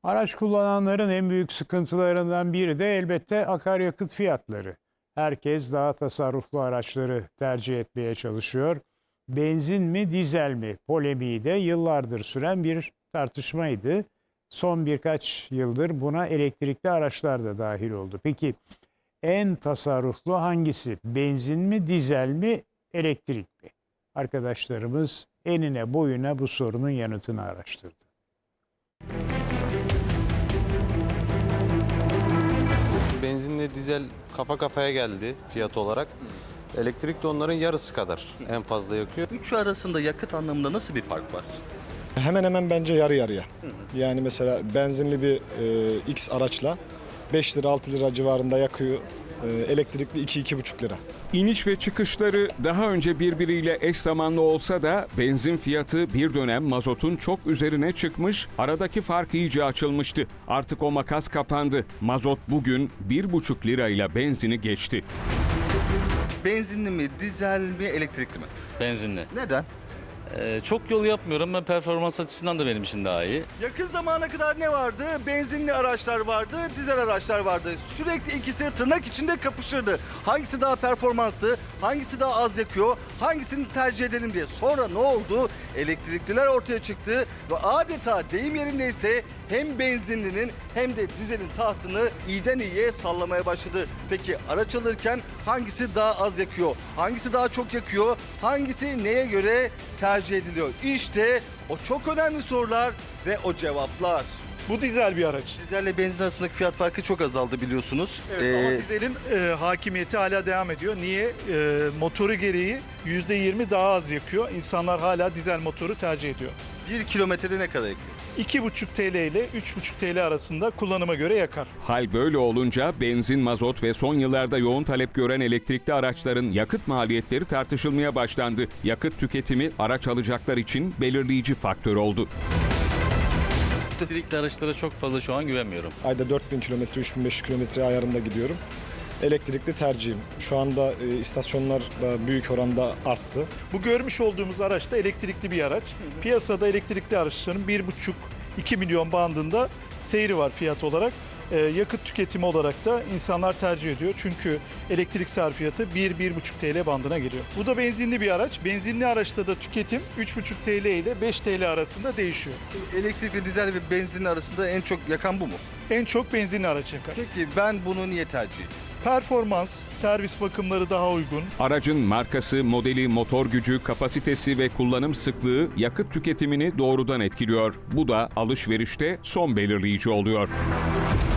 Araç kullananların en büyük sıkıntılarından biri de elbette akaryakıt fiyatları. Herkes daha tasarruflu araçları tercih etmeye çalışıyor. Benzin mi, dizel mi polemiği de yıllardır süren bir tartışmaydı. Son birkaç yıldır buna elektrikli araçlar da dahil oldu. Peki en tasarruflu hangisi? Benzin mi, dizel mi, elektrik mi? Arkadaşlarımız enine boyuna bu sorunun yanıtını araştırdı. Benzinle dizel kafa kafaya geldi fiyat olarak. Elektrik de onların yarısı kadar en fazla yakıyor. Üçü arasında yakıt anlamında nasıl bir fark var? Hemen hemen bence yarı yarıya. Yani mesela benzinli bir X araçla 5 lira 6 lira civarında yakıyor. Elektrikli 2-2,5 lira. İniş ve çıkışları daha önce birbiriyle eş zamanlı olsa da benzin fiyatı bir dönem mazotun çok üzerine çıkmış, aradaki fark iyice açılmıştı. Artık o makas kapandı. Mazot bugün 1,5 lirayla benzini geçti. Benzinli mi, dizel mi, elektrikli mi? Benzinli. Neden? Çok yol yapmıyorum. Ben performans açısından da benim için daha iyi. Yakın zamana kadar ne vardı? Benzinli araçlar vardı, dizel araçlar vardı. Sürekli ikisi tırnak içinde kapışırdı. Hangisi daha performanslı, hangisi daha az yakıyor, hangisini tercih edelim diye. Sonra ne oldu? Elektrikliler ortaya çıktı ve adeta deyim yerindeyse hem benzinlinin hem de dizelin tahtını iyiden iyiye sallamaya başladı. Peki araç alırken hangisi daha az yakıyor, hangisi daha çok yakıyor, hangisi neye göre tercih ediliyor? İşte o çok önemli sorular ve o cevaplar. Bu dizel bir araç. Dizelle benzin arasındaki fiyat farkı çok azaldı biliyorsunuz. Evet, ama dizelin hakimiyeti hala devam ediyor. Niye? Motoru gereği %20 daha az yakıyor. İnsanlar hala dizel motoru tercih ediyor. 1 kilometrede ne kadar yakıyor? 2,5 TL ile 3,5 TL arasında kullanıma göre yakar. Hal böyle olunca benzin, mazot ve son yıllarda yoğun talep gören elektrikli araçların yakıt maliyetleri tartışılmaya başlandı. Yakıt tüketimi araç alacaklar için belirleyici faktör oldu. Elektrikli araçlara çok fazla şu an güvenmiyorum. Ayda 4000 kilometre, 3500 kilometre ayarında gidiyorum. Elektrikli tercihim. Şu anda istasyonlar da büyük oranda arttı. Bu görmüş olduğumuz araç da elektrikli bir araç. Piyasada elektrikli araçların 1,5-2 milyon bandında seyri var fiyat olarak. Yakıt tüketimi olarak da insanlar tercih ediyor. Çünkü elektrik sarfiyatı 1-1,5 TL bandına geliyor. Bu da benzinli bir araç. Benzinli araçta da tüketim 3,5 TL ile 5 TL arasında değişiyor. Elektrikli, dizel ve benzinli arasında en çok yakan bu mu? En çok benzinli araç yakar. Peki ben bunu niye tercih edeyim? Performans, servis bakımları daha uygun. Aracın markası, modeli, motor gücü, kapasitesi ve kullanım sıklığı yakıt tüketimini doğrudan etkiliyor. Bu da alışverişte son belirleyici oluyor.